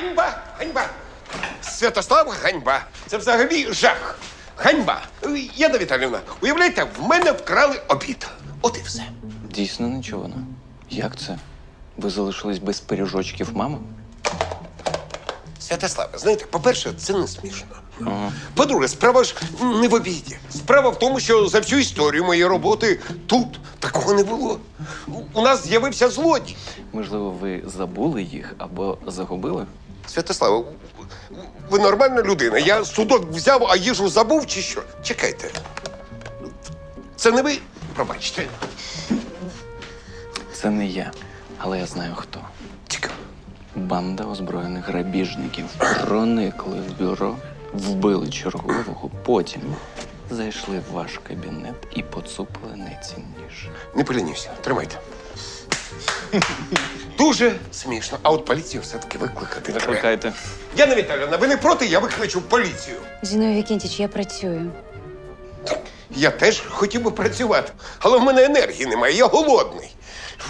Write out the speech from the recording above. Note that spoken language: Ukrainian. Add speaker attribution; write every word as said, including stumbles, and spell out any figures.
Speaker 1: Ганьба! Ганьба! Святослав, ганьба! Це взагалі жах! Ганьба! Яна Віталіївна, уявляєте, в мене вкрали обід. От і все.
Speaker 2: Дійсно нечувано. Як це? Ви залишились без пиріжочків мами?
Speaker 1: Святославе, знаєте, по-перше, це не смішно.
Speaker 2: Ага.
Speaker 1: По-друге, справа ж не в обіді. Справа в тому, що за всю історію моєї роботи тут такого не було. У нас з'явився злодій.
Speaker 2: Можливо, ви забули їх або загубили?
Speaker 1: Святославе, ви нормальна людина. Я судок взяв, а їжу забув чи що? Чекайте. Це не ви? Пробачте.
Speaker 2: Це не я, але я знаю хто.
Speaker 1: Цікаво.
Speaker 2: Банда озброєних грабіжників проникли в бюро, вбили чергового, потім зайшли в ваш кабінет і поцупили найцінніше.
Speaker 1: Не полінюся. Тримайте. Дуже смішно. А от поліцію все-таки викликати треба.
Speaker 2: Викликайте.
Speaker 1: Яна Віталіївна, ви не проти? Я викличу поліцію.
Speaker 3: Зіновій Вікентіч, я працюю.
Speaker 1: Я теж хотів би працювати, але в мене енергії немає, я голодний.